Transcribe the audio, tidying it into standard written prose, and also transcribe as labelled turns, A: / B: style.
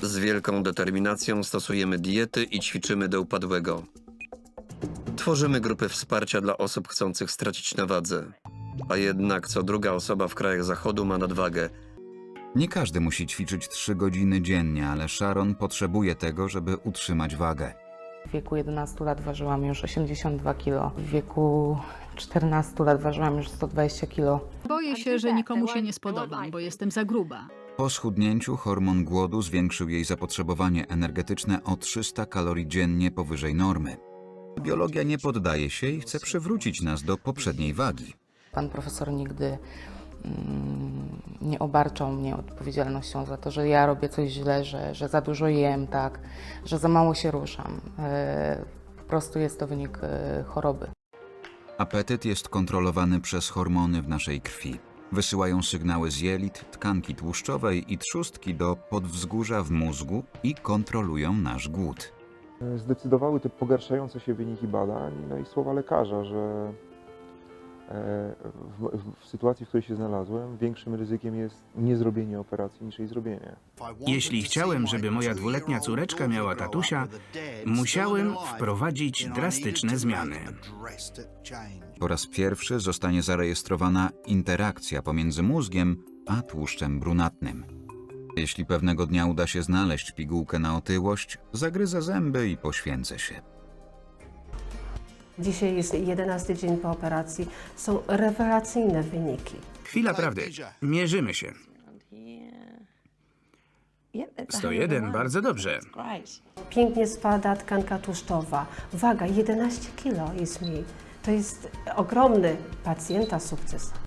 A: Z wielką determinacją stosujemy diety i ćwiczymy do upadłego. Tworzymy grupy wsparcia dla osób chcących stracić na wadze. A jednak co druga osoba w krajach Zachodu ma nadwagę.
B: Nie każdy musi ćwiczyć 3 godziny dziennie, ale Sharon potrzebuje tego, żeby utrzymać wagę.
C: W wieku 11 lat ważyłam już 82 kg. W wieku 14 lat ważyłam już 120 kg.
D: Boję się, że nikomu się nie spodobam, bo jestem za gruba.
B: Po schudnięciu hormon głodu zwiększył jej zapotrzebowanie energetyczne o 300 kalorii dziennie powyżej normy. Biologia nie poddaje się i chce przywrócić nas do poprzedniej wagi.
C: Pan profesor nigdy nie obarczał mnie odpowiedzialnością za to, że ja robię coś źle, że za dużo jem, tak, że za mało się ruszam. Po prostu jest to wynik choroby.
B: Apetyt jest kontrolowany przez hormony w naszej krwi. Wysyłają sygnały z jelit, tkanki tłuszczowej i trzustki do podwzgórza w mózgu i kontrolują nasz głód.
E: Zdecydowały te pogarszające się wyniki badań, no i słowa lekarza, że w sytuacji, w której się znalazłem, większym ryzykiem jest niezrobienie operacji niż jej zrobienie.
F: Jeśli chciałem, żeby moja 2-letnia córeczka miała tatusia, musiałem wprowadzić drastyczne zmiany.
B: Po raz pierwszy zostanie zarejestrowana interakcja pomiędzy mózgiem a tłuszczem brunatnym. Jeśli pewnego dnia uda się znaleźć pigułkę na otyłość, zagryzę zęby i poświęcę się.
G: Dzisiaj jest 11 dzień po operacji. Są rewelacyjne wyniki.
F: Chwila prawdy. Mierzymy się. 101, bardzo dobrze.
G: Pięknie spada tkanka tłuszczowa. Waga 11 kg jest mniej. To jest ogromny pacjenta sukces.